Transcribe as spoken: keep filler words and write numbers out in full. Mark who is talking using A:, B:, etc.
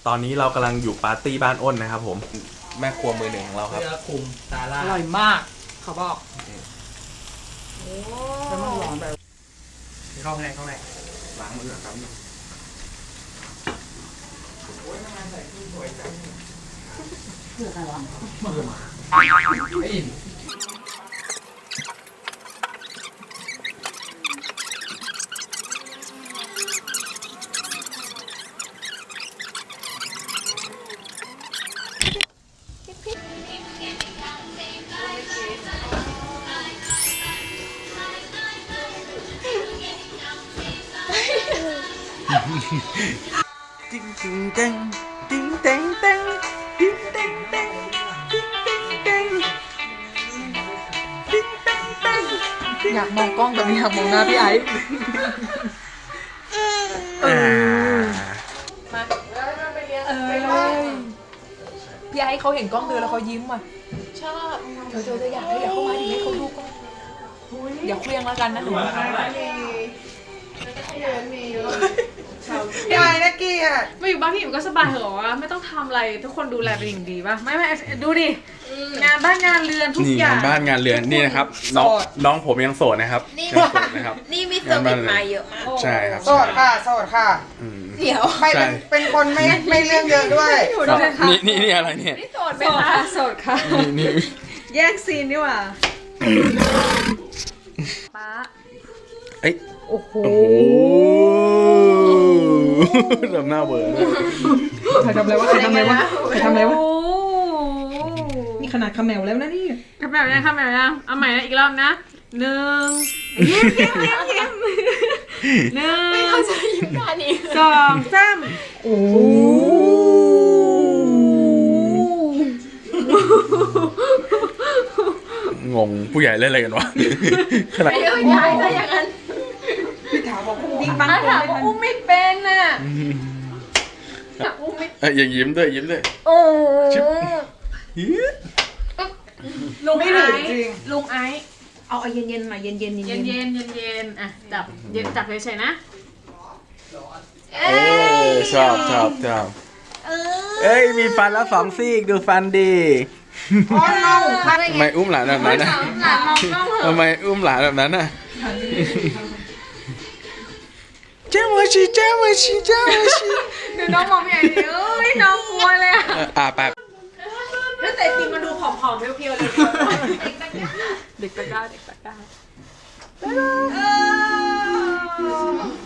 A: ตอนนี้เรากำลังอยู่ปาร์ตี้บ้านอ้นนะครับผมแม่ครัวมือหนึ่งของเราครับ
B: เนื้อคุมซาร่า
C: อร่อยมากเขาบอกแล้วมันร้อนแบบ
B: เข้าไงเข้าไง
A: ล้างมือครับติ๊งติ๊งเต้งติ๊งเต้งเต้งติ๊งเต้งเต้งติ๊งเต้งเต้งติ๊งเต้งเต้ง
C: อยากมองกล้องแต่ไม่อยากมองหน้าพี่ไอ้เออมาเออพี่ไอ้เขาเห็นกล้องเดินแล้วเขายิ้มอ่ะชอบเธอเธอจะอยากให้อยากเข้ามาดิให้เขาดูกล้องอย่าเคลี้ยงแล้วกันนะหนูพี่ไอ้นะกี้อ่ะ
D: มาอยู่บ้านพี่อิ่มก็สบายเหรอวะไม่ต้องทำอะไรทุกคนดูแลเป็นอย่างดีป่ะไม่ไม่ดูดิงานบ้านงานเรือนทุก
A: นี่
D: อย่าง
A: งานบ้านงานเรือนนี่นะครับน้องน้องผมยังโสดนะครับยังโสดนะครับ
E: นี่มีเซอร์วิสมาเยอะมาก
A: ใช่ครับ
C: โสดค่ะโสดค่ะ
A: อืม
E: เดี๋ยว
C: ไม่เป็นเป็นคนไม่ไม่เรื่องเยอะด้วย
A: นี่นี่นี่อะไรเนี่ย
E: นี่โสดไหม
D: โสด
E: คะ
D: ค่ะโสดค่ะ
A: นี่นี่
D: แยกซีนดีกว่าป้า
A: เอ้ย
C: โอ้โห
A: โอ้โหทำหน้าเบื่อเลย
C: ใครทำอะไรวะใครทำอะไรวะใครทำอะไรวะ
D: โอ้
C: นี่ขนาดขมแมวแล้วนะนี่
D: ทำแบบนี้ทำแบบนี้เอาใหม่นะอีกรอบนะหนึ่งยิ้มยิ้มยิ้มยิ้มหนึ่ง
E: เขาจะยิ้มกันอีก
D: สองสาม
C: โอ้
A: งงผู้ใหญ่เล่นอะไรกันวะขนาด
E: ไม่ได้ย้ายซะอย่างนั้น
C: พี่ถามบอกดิ้งบัง
D: อ่ะ
C: คน
D: ถาม
C: ไม่
D: ว่า
C: ทัน
D: อุ้มไม่เป็นน่ะถามอุ้มไม่
A: เอ้ยอย่ายิ้มด้วยยิ้มด้วย
E: โอ้
A: ชิบ
D: ลุง
C: ไม่
D: ไอ
C: หรือ
D: ซ์
C: จริง
D: ลุงไอซ์
C: เอาเอาเย็นๆหน่อยเย็นๆเย็นๆ
D: เย็นเย็นเย็นเย็นๆอ่ะจับเย็นจับเฉยๆนะ
A: เอ้ยชอบชอบชอบเอ้ยมีฟันแล้วสองซี่ดูฟันดี
C: อ๋อน้องค่ะ
A: ทำไมอุ้มหลานแบบนั้นนะ
D: หลานมองกล้องเหรอ
A: ทำไมอุ้มหลานแบบนั้นน่ะเจ้ามาชีเจ้ามาชีเจ้ามาชี
D: เดี๋ยวน้องมองไม่เห็นดิเอ้ยน้องกลัวเลยอ่ะ
A: อ่าแป๊บ
D: แล้วแต่จริงมันดูผอมๆเพียวๆเลยเด็กตะกร้าเด็กตะกร้า